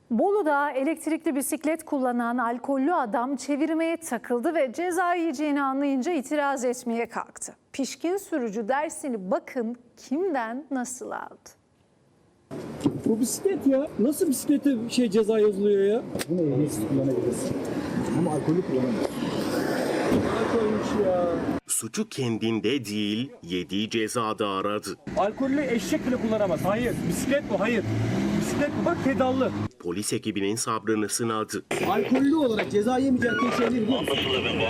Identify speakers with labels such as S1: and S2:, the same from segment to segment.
S1: Bolu'da elektrikli bisiklet kullanan alkollü adam çevirmeye takıldı ve ceza yiyeceğini anlayınca itiraz etmeye kalktı. Pişkin sürücü dersini bakın kimden nasıl aldı.
S2: Bu bisiklet ya. Nasıl bisiklete ceza yazılıyor ya?
S3: Bunu ehliyetsiz kullanabilirsin. Ama alkolü kullanamazsın.
S2: Alkolmüş ya.
S4: Suçu kendinde değil, yediği cezada aradı.
S2: Alkollü eşek bile kullanamaz. Hayır. Bisiklet bu. Hayır. Bisiklet bu. Bak pedallı.
S4: Polis ekibinin sabrını sınadı.
S3: Alkollü olarak ceza yemeyeceğin tek şey ne biliyor musun?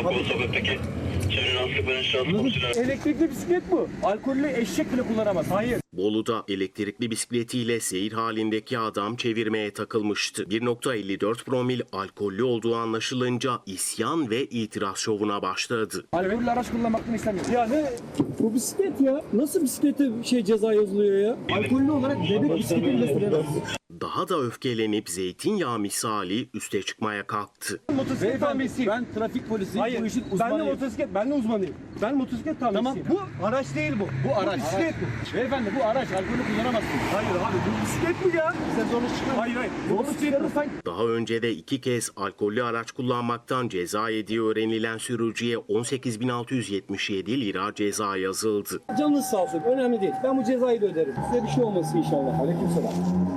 S2: Elektrikli bisiklet bu. Alkollü eşek bile kullanamaz. Hayır.
S4: Bolu'da elektrikli bisikletiyle seyir halindeki adam çevirmeye takılmıştı. 1.54 promil alkollü olduğu anlaşılınca isyan ve itiraz şovuna başladı.
S2: Alkollü araç kullanmaktan istemiyorum. Ya ne? Bu bisiklet ya. Nasıl bisiklete ceza yazılıyor ya?
S3: Alkollü olarak bebek bisikleti bile süremezsin.
S4: Daha da öfkelenip zeytinyağı misali üste çıkmaya kalktı.
S2: Motosiklet tamircisiyim.
S3: Ben trafik polisiyim.
S2: Hayır.
S3: Bu işin
S2: Ben de
S3: uzmanıyım.
S2: motosiklet. Ben de uzmanıyım. Ben motosiklet tamircisiyim.
S3: Tamam,
S2: Bu araç değil bu.
S3: Bu araç.
S2: bisiklet bu.
S3: Beyefendi bu araç alkolü kullanamazsın.
S2: Hayır abi bu bisiklet mi ya?
S3: Sen zorlu çıkar.
S2: Hayır. Bu bisiklet bu.
S4: Daha önce de 2 kez alkollü araç kullanmaktan ceza yediği öğrenilen sürücüye 18.677 lira ceza yazıldı.
S2: Canınız sağ olsun. Önemli değil. Ben bu cezayı da öderim. Size bir şey olmasın inşallah.
S3: Aleykümselam.